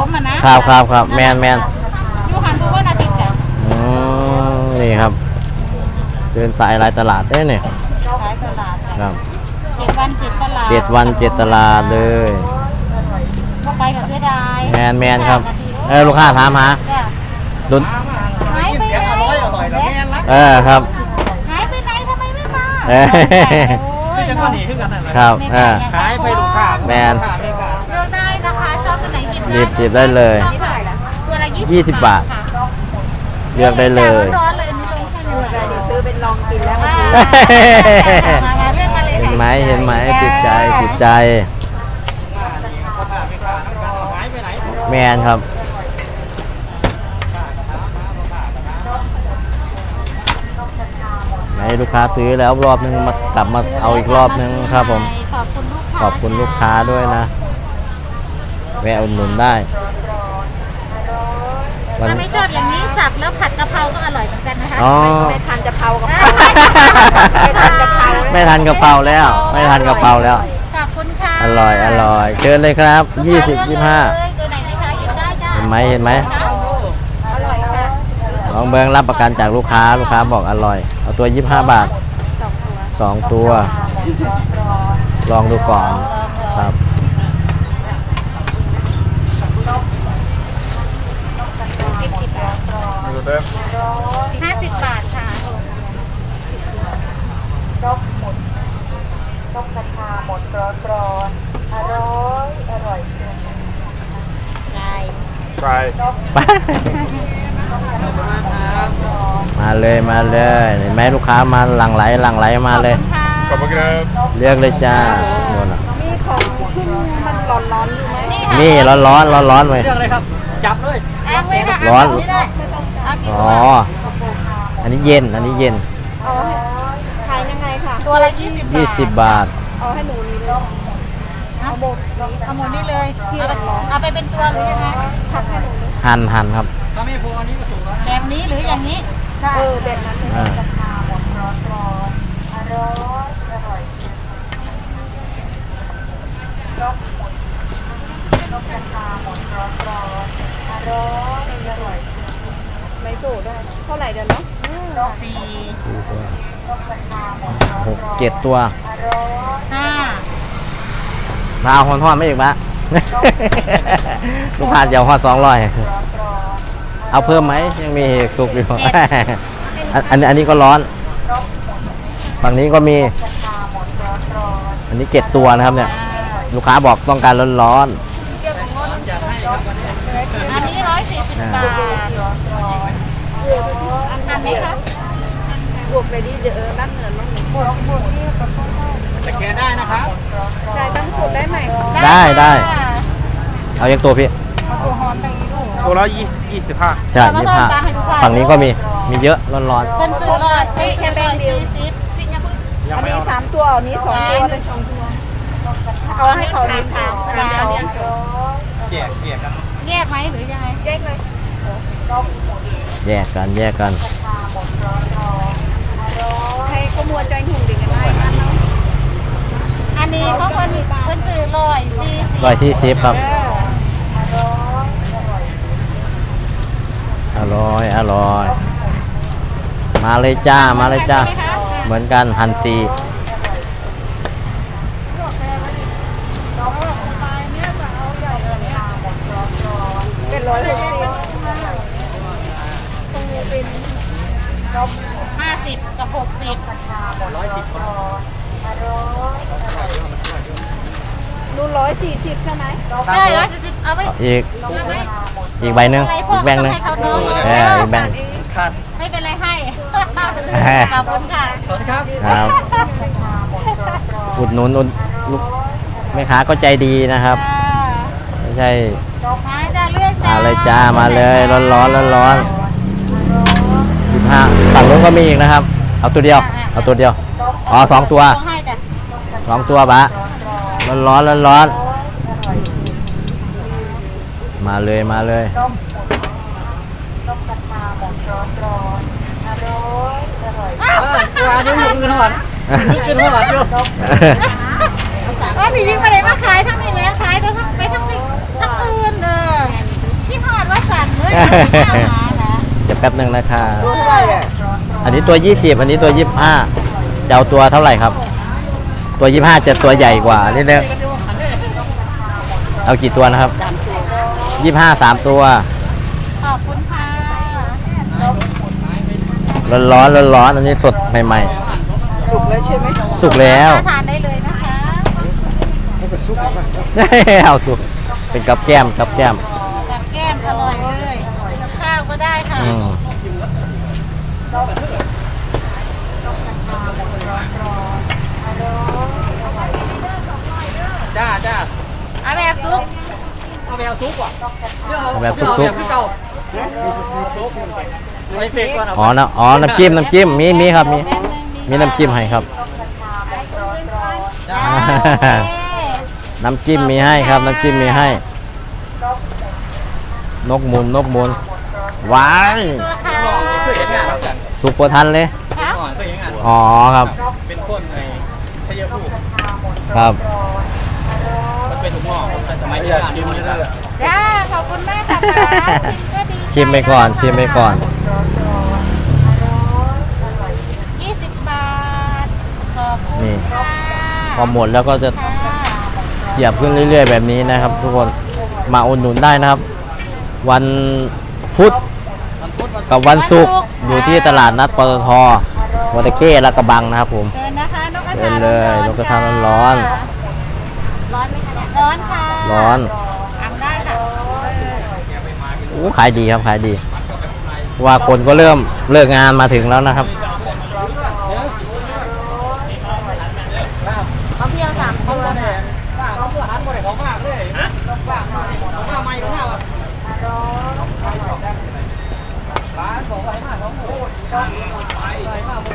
มอ่ะนะครับแมนยูหันดูว่านาทีจ้ะนี่ครับเดินสายหลายตลาดได้เนี่ยขายตลาดครับ 7 วัน 7 ตลาด 7 วัน 7 ตลาดเลยก็ไปกับเสียดายแมนครับลูกค้าถามหาดุนหายไปไหนครับหายไปไหนทำไมไม่มาที่จะก็หนีขึ้นกันนั่นแหละครับขายไปลูกค้าแมนเลือกได้นะคะชอบตัวไหนหยิบได้เลยตัวละ 20 บาทเลือกได้เลยร้อนเลยนี่ลงแค่นี้เดี๋ยวซื้อเป็นลองกินแล้วเห็นไหมติดใจแมนครับให้ลูกค้าซื้อแล้วรอบนึงมากลับมาเอาอีกรอบนึงครับผมขอบคุณลูกค้าด้วยนะแวะอุดหนุนได้ถ้าไม่ชอบอย่างนี้สับแล้วผัดกะเพราก็อร่อยเหมือนกันนะคะไม่ทานกะเพรากับไม่ทานกะเพราแล้วขอบคุณค่ะอร่อยเชิญเลยครับ20 25 ตัวไหนนะคะหยิบได้จ้าเห็นไหมอร่อยค่ะลองเบิ้งรับประกันจากลูกค้าบอกอร่อยเอาตัว25 บาท2 ตัวลองดูก่อนครับ 50 บาทค่ะนกกระทาหมดร้อนอร่อยจริงไปมาเลยเห็นไหมลูกค้ามาหลั่งไหลมาเลยขอบคุณครับเลือกเลยจ้าโน่นมีของขึ้นมันร้อนอยู่ไหมนี่ร้อนไหมเลือกเลยครับจับเลยร้อนอันนี้เย็นขายยังไงค่ะตัวละ 20 บาทเอาให้หนูนี่เลยเอาหมดนี่เลยเอาไปเป็นตัวหรือยังไงผักให้หนูหั่นครับถ้าไม่พออันนี้ก็สูงแล้วแบบนี้หรืออย่างนี้แบบนั้นกระทาหมดร้อนอร่อยนกกระทาหมดร้อนอร่อยไม่โตได้เท่าไหร่เดี๋ยวเนาะ 7 ตัว 5 มาเอาทอดไม่อีกปะลูกค้าเดี๋ยวทอด200เอาเพิ่มไหมยังมีสุกอยู่อันนี้ก็ร้อนฝั่งนี้ก็มีอันนี้7 ตัวนะครับเนี่ยลูกค้าบอกต้องการร้อนอันนี้140 บาทอันนี้ครับบวกไปดิเดี๋ยวนั่นเหมือนบวกนี่กับข้าวจะแกะได้นะครับจ่ายตั้งสูตรได้ไหมได้เอาอย่างตัวพี่ตัวละ25 ใช่25ฝั่งนี้ก็มีเยอะร้อนคนซื้อเลยแค่แบงค์เดียวอันนี้3 ตัวอันนี้2 ตัวเป็น2 ตัวเอาให้เขาใน3แล้วแยกกันแยกไหมหรือยังไงแยกเลยแยกกันให้ขโมยใจถุงดีกันไหมอันนี้เขาคนซื้อ 140ครับอร่อยมาเลยจ้าเหมือนกันหั่นซีเป็น160 50 กับ 60 ดู140ใช่ไหมได้140เอาไว้อีกใบหนึ่งอีกแบงค์นึงอีกแบงค์ไม่เป็นไรให้ขอบคุณค่ะสวัสดีครับอุดหนุนลูกแม่ค้าก็ใจดีนะครับไม่ใช่มาเลยจ้ามาเลยร้อน25ฝั่งนู้นก็มีอีกนะครับเอาตัวเดียวอ๋อ2 ตัว2 ตัวบะร้อนมาเลยนกกระทาหมดร้อนอร่อยอันนี้หมุนขึ้นหัวอยู่พี่ยิ่งมาเลยมาขายทั้งนี้ไหมขายแต่ไปทั้งอื่นเดี๋ยวแป๊บหนึ่งนะคะตัวเท่าไหร่อ่ะอันนี้ตัว 20 อันนี้ตัว 25จะเอาตัวเท่าไหร่ครับ ตัว 25จะตัวใหญ่กว่านิดนึงเอากี่ตัวนะครับ 25 3 ตัวขอบคุณค่ะร้อนๆร้อนๆอันนี้สดใหม่สุกแล้วใช่ไหมๆ สุกแล้วทานได้เลยนะคะเอาสุกเป็นกับแก้มกับแก้มกับแก้มอร่อยเลยข้าวก็ได้ค่ะอืมจ้าจ้าเอาแบบซุปเอาแมวซุปอ่ะเดี๋ยวเอาแบบเดี๋ยวเอาซุแบปบเก่าซุปใส่เฟกก่อนอ๋อน้ำจิ้มมีครับมีน้ำจิ้มให้ครับจ้าน้ำจิ้มมีให้ครับ น้ำจิ้มมีให้ นกหมุนว้ายตัวค่ะเคยเห็นงานเรากันสุกกว่าทันเลยค่ะก่อนเคยเห็นงานอ๋อครับเป็นคนในชัยภูมิครับมันเป็นถุงหม้อแต่สมัยที่งานอยู่นี่ก็จ้าขอบคุณมากค่ะก็ดีชิมไปก่อน 20 บาทขอบคุณนี่ค่ะพอหมดแล้วก็จะค่ะเสียบขึ้นเรื่อยๆแบบนี้นะครับ ทุกคนมาอุดหนุนได้นะครับ วันพุธมันพุธมันกับวันศุกร์อยู่ที่ตลาดนัดปตทวัตะเข้และกระบังนะครับผมเดินนะคะนกกระเดิทานเลยๆนกกระทาร้อนร้อนไหมคะเนี่ยร้อนค่ะร้อนทำได้ค่ะอู้ขายดีครับขายดีว่าคนก็เริ่มเลิกงานมาถึงแล้วนะครับเขาเพียง3 ตัวค่ะป้าเขาเมื่อหันบ่ได้ของมากเลยฮะป้าของมาใหม่ของหน้าว่ะร้านของอะไรมาของโอ้ยอะไรมาบ่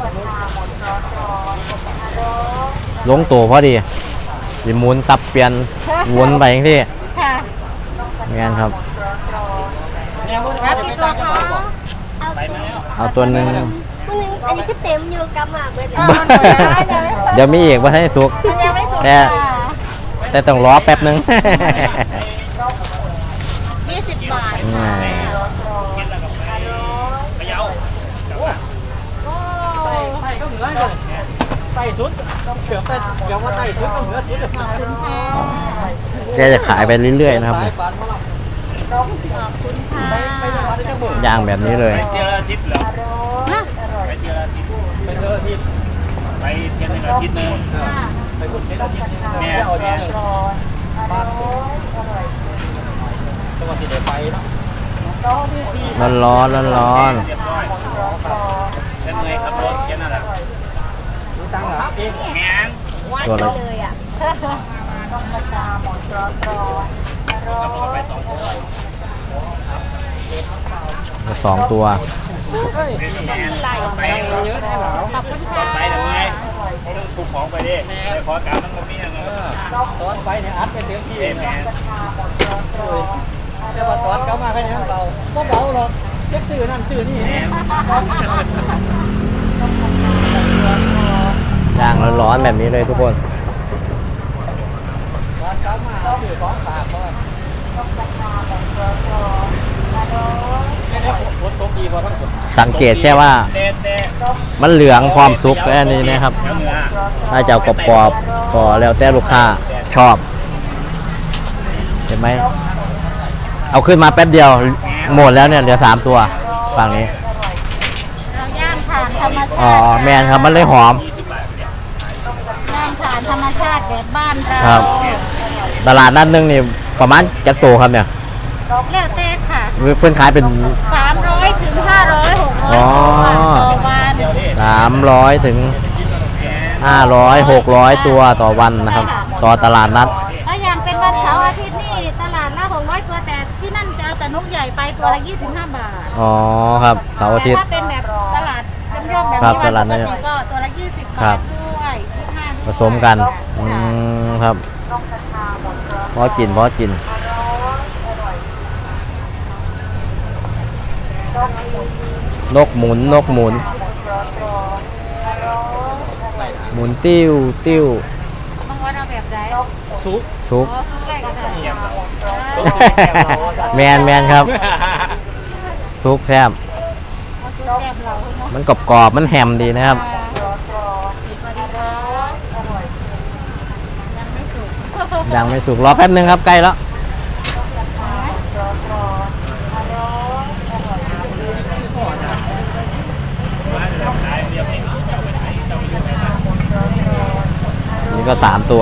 ได้ลงตัวพอดีสิหมุนตับเปลี่ยนวนไปอย่างที่ค่ะงานครับรับกี่ตัวคะเอาตัวหนึ่งอันนี้ก็เต็มอยู่กับหมากเลยเอาหน่อยนะยังไม่เดี๋ยวมีอีกว่าให้สุกมันยังไม่สุกแต่ค่ะแต่ต้องรอแป๊บหนึง 20 บาทอืค่ะมโอ้ไต่ก็เหนือเลยไต่สุดเกือบไต่เกือบว่าไต่สุดก็เหนือสุดขอบคุณค่ะแกจะขายไปเรื่อยๆนะครับขอบคุณค่ะย่างแบบนี้เลยเที่ยวละอาทิตย์เหรอฮะไปเที่ยวละอาทิตย์ไปเจอที่ไปเที่ยวในอาทิตย์หนึงค่ะไปพูดเที่ยวที่แม่เอาแม่บ้านจังหวัดที่เดี๋ยวไปเนาะร้อนๆร้อนเรียบร้อยเช่นไงครับรถแค่นั้นแหละดูตังค์เหรอเองแม่นๆตัวละเลยอ่ะสองตัวไปเยอะแน่เหรอขอบคุณตอค่ะนไปทำไงต้องถูกของไปดิไปขอการมันก็มีนะเนาะตอนไปเนี่ยอัดไปเต็มที่แม่แต่ว่าตอนเขามาแค่นี้เบาก็เบาหรอกเล็กสื่อนั่นสื่อนี่ย่างร้อนๆแบบนี้เลยทุกคนตอนเขามาสื่อของฝากก่อนแค่นี้ฝนตกดีพอทั้งฝนสังเกตแค่ว่าเด็ดมันเหลืองพร้อมสุกแค่นี้นะครับเดี๋ยวเหนือถ้าจะเอากรอบๆก็แล้วแต่ลูกค้าชอบ เห็นไหม เอาขึ้นมาแป๊บเดียวหมดแล้วเนี่ยเหลือ3 ตัวฝั่งนี้เราย่างผ่านธรรมชาติอ๋อแมนครับมันเลยหอมย่างผ่านธรรมชาติแบบบ้านเราครับ ตลาดนัดนึงนี่ประมาณจักโตครับเนี่ยแล้วแต่ค่ะเพื่อนขายเป็น 300 ถึง 500 600 อ๋อต่อวัน 300 ถึง 500 600 ตัวต่อวันนะครับ ต่อตลาดนัดถ้าอย่างเป็นวันเสาร์อาทิตย์นี่ตลาดละ600 ตัวแต่ที่นั่นจะเอาแต่นกใหญ่ไปตัวละ 25 บาทอ๋อครับเสาร์อาทิตย์แต่ถ้าเป็นแบบตลาดย่อมๆแบบครับนี้ตวันลาดปนักดติก็ตัวละ 20 ครับาบทด้วย25 ผสมกันครับพอกินพอกิน นกหมุนหมุนติ้วบางวันเอาแบบไหนซุปซุปอ๋อซุปแรกก็ได้เงียบจ้าแมนครับซุกแซ่บเอาซื้อแก้มเราเนาะมันกรอบๆมันแฮมดีนะครับสวัสดีครับยังไม่สุกยังไม่สุกรอแป๊บนึงครับใกล้แล้วนี่ก็3 ตัว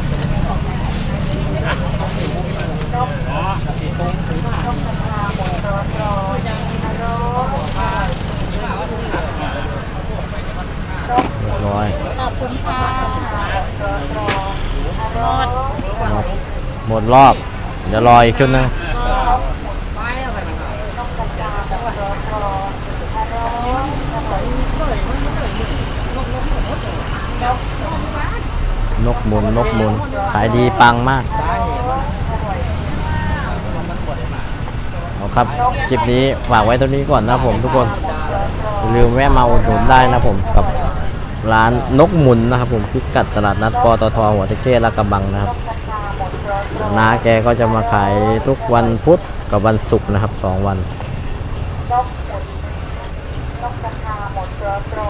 เรียบร้อยขอบคุณค่ะหมดหมดรอบ เดี๋ยวรออีกชุดนึงนกหมุนขายดีปังมากเอาครับคลิปนี้ฝากไว้เท่านี้ก่อนนะผมทุกคนอย่าลืมแวะมาอุดหนุนได้นะผมกับร้านนกหมุนนะครับผมพิกัดตลาดนัดปตทหัวตะเข้ลาดกระบังนะครับน้าแกก็จะมาขายทุกวันพุธกับวันศุกร์นะครับ2 วัน